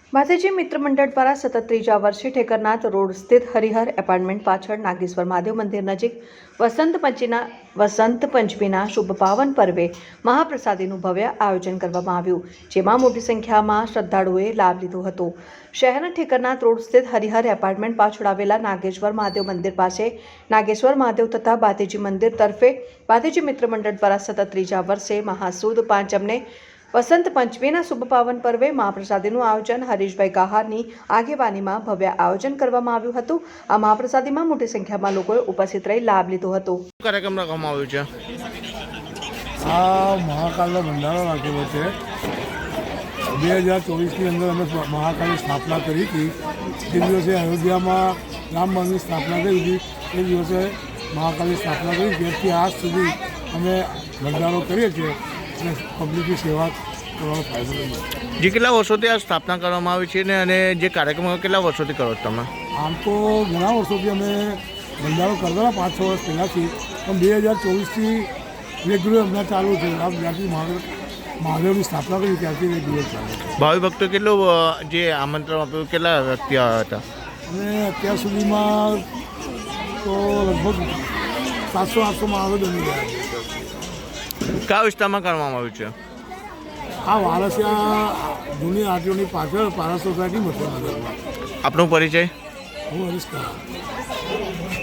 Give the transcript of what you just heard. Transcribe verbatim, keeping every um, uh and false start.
માતાજી મિત્ર મંડળ દ્વારા સતત ત્રીજા વર્ષે ઠેકરનાથ રોડ સ્થિત હરિહર એપાર્ટમેન્ટ પાછળ નાગેશ્વર મહાદેવ મંદિર નજીક વસંત પંચમીના વસંત પંચમીના શુભ પાવન પર્વે મહાપ્રસાદીનું ભવ્ય આયોજન કરવામાં આવ્યું, જેમાં મોટી સંખ્યામાં શ્રદ્ધાળુઓએ લાભ લીધો હતો। શહેરના ઠેકરનાથ રોડ સ્થિત હરિહર એપાર્ટમેન્ટ પાછળ આવેલા નાગેશ્વર મહાદેવ મંદિર પાસે નાગેશ્વર મહાદેવ તથા બાતેજી મંદિર તરફે બાતેજી મિત્ર મંડળ દ્વારા સતત ત્રીજા વર્ષે મહાસુદ પાંચમને વસંત પંચમીના શુભ પાવન પર્વે મહાપ્રસાદીનું આયોજન હરીશભાઈ ગાહારની આગેવાનીમાં ભવ્ય આયોજન કરવામાં આવ્યું હતું। આ મહાપ્રસાદીમાં મોટી સંખ્યામાં લોકોએ ઉપસ્થિત રહી લાભ લીધો હતો। કાર્યક્રમ રાખવામાં આવ્યો છે। આ મહાકાલનો ભંડારો રાખેલો છે। બે હજાર ચોવીસની અંદર અમે મહાકાલની સ્થાપના કરી હતી। જે દિવસે અયોધ્યામાં રામ મંદિરની સ્થાપના કરી હતી એ દિવસે મહાકાલની સ્થાપના કરી। ત્યારથી આજ સુધી અમે ભંડારો કરીએ છીએ અને પબ્લિકની સેવા કરવાનો ફાયદો રહ્યો। જે કેટલા વર્ષોથી આ સ્થાપના કરવામાં આવી છે ને અને જે કાર્યક્રમો કેટલા વર્ષોથી કરો છો તમે? આમ તો ઘણા વર્ષોથી અમે ભંડારો કરતા પાંચ છ વર્ષ પહેલાંથી, પણ બે હજાર ચોવીસથી રેગ્યુલર હમણાં ચાલુ છે। આમ જ્યાંથી મહાદેવ મહાદેવની સ્થાપના કરી ત્યાંથી રેગ્યુલર ચાલુ છે। ભાવિ ભક્તો કેટલું જે આમંત્રણ આપ્યું કેટલા વ્યક્તિ આવ્યા હતા? અને અત્યાર સુધીમાં તો લગભગ સાતસો આઠસોમાં આવે બની ગયા છે। કયા વિસ્તારમાં કરવામાં આવ્યું છે? આ વારસિયા જૂની આરટીઓની પાછળ પારસ સોસાયટી મથુરાનગરમાં। આપનો પરિચય? હું હરીશ કુમાર।